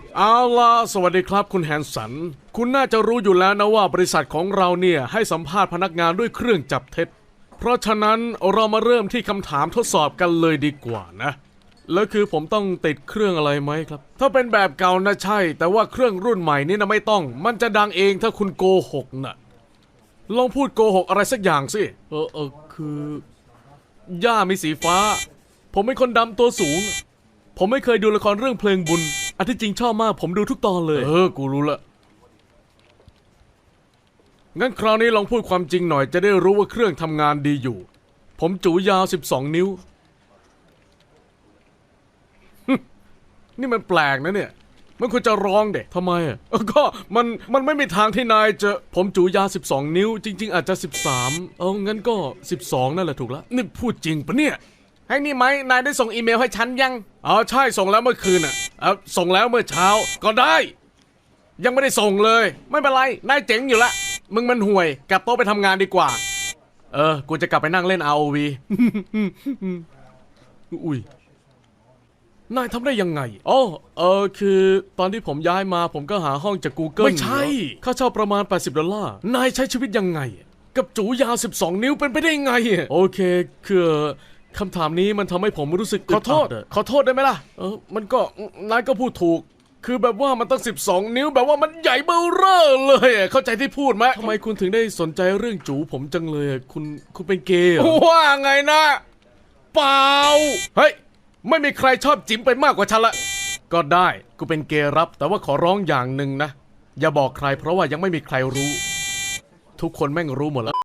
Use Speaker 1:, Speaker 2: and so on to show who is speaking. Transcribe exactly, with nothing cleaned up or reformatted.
Speaker 1: เอาล่ะสวัสดีครับคุณแฮนสันคุณน่าจะรู้อยู่แล้วนะว่าบริษัทของเราเนี่ยให้สัมภาษณ์พนักงานด้วยเครื่องจับเท็จเพราะฉะนั้นเรามาเริ่มที่คำถามทดสอบกันเลยดีกว่านะแล้วคือผมต้องติดเครื่องอะไรไหมครับถ้าเป็นแบบเก่านะใช่แต่ว่าเครื่องรุ่นใหม่นี่นะไม่ต้องมันจะดังเองถ้าคุณโกหกนะลองพูดโกหกอะไรสักอย่างสิเออเออคือย่ามีสีฟ้าผมเป็นคนดำตัวสูงผมไม่เคยดูละครเรื่องเพลงบุญอันที่จริงชอบมากผมดูทุกตอนเลยเออกูรู้ละงั้นคราวนี้ลองพูดความจริงหน่อยจะได้รู้ว่าเครื่องทำงานดีอยู่ผมจูยาวสิบสองนิ้วนี่มันแปลกนะเนี่ยมันควรจะร้องเด็กทำไมอ่ะก็มันมันไม่มีทางที่นายจะผมจูยาวสิบสองนิ้วจริงๆอาจจะสิบสามเอางั้นก็สิบสองนั่นแหละถูกแล้วนี่พูดจริงปะเนี่ยให้นี่ไหมนายได้ส่งอีเมลให้ฉันยังอ๋อใช่ส่งแล้วเมื่อคืนอ่ะเออส่งแล้วเมื่อเช้าก็ได้ยังไม่ได้ส่งเลยไม่เป็นไรนายเจ๋งอยู่ละมึงมันห่วยกลับโต๊ะไปทำงานดีกว่าเออกูจะกลับไปนั่งเล่น อาร์ โอ วี อุ้ยนายทำได้ยังไงอ๋อเออคือตอนที่ผมย้ายมาผมก็หาห้องจาก Google ไม่ใช่ค่าเช่าประมาณแปดสิบดอลลาร์นายใช้ชีวิตยังไงกับจูยาวสิบสองนิ้วเป็นไปได้ไงโอเคคือคำถามนี้มันทำให้ผมรู้สึกขอโทษขอโทษได้ไหมล่ะเออมันก็นายก็พูดถูกคือแบบว่ามันตั้งสิบสองนิ้วแบบว่ามันใหญ่เบ้อเร่อเลยเข้าใจที่พูดไหมทำไมคุณถึงได้สนใจเรื่องจูผมจังเลยคุณคุณเป็นเกย์เหรอว่าไงนะเปล่าเฮ้ยไม่มีใครชอบจิ๋มไปมากกว่าฉันละก็ได้กูเป็นเกย์รับแต่ว่าขอร้องอย่างหนึ่งนะอย่าบอกใครเพราะว่ายังไม่มีใครรู้ทุกคนแม่งรู้หมดแล้ว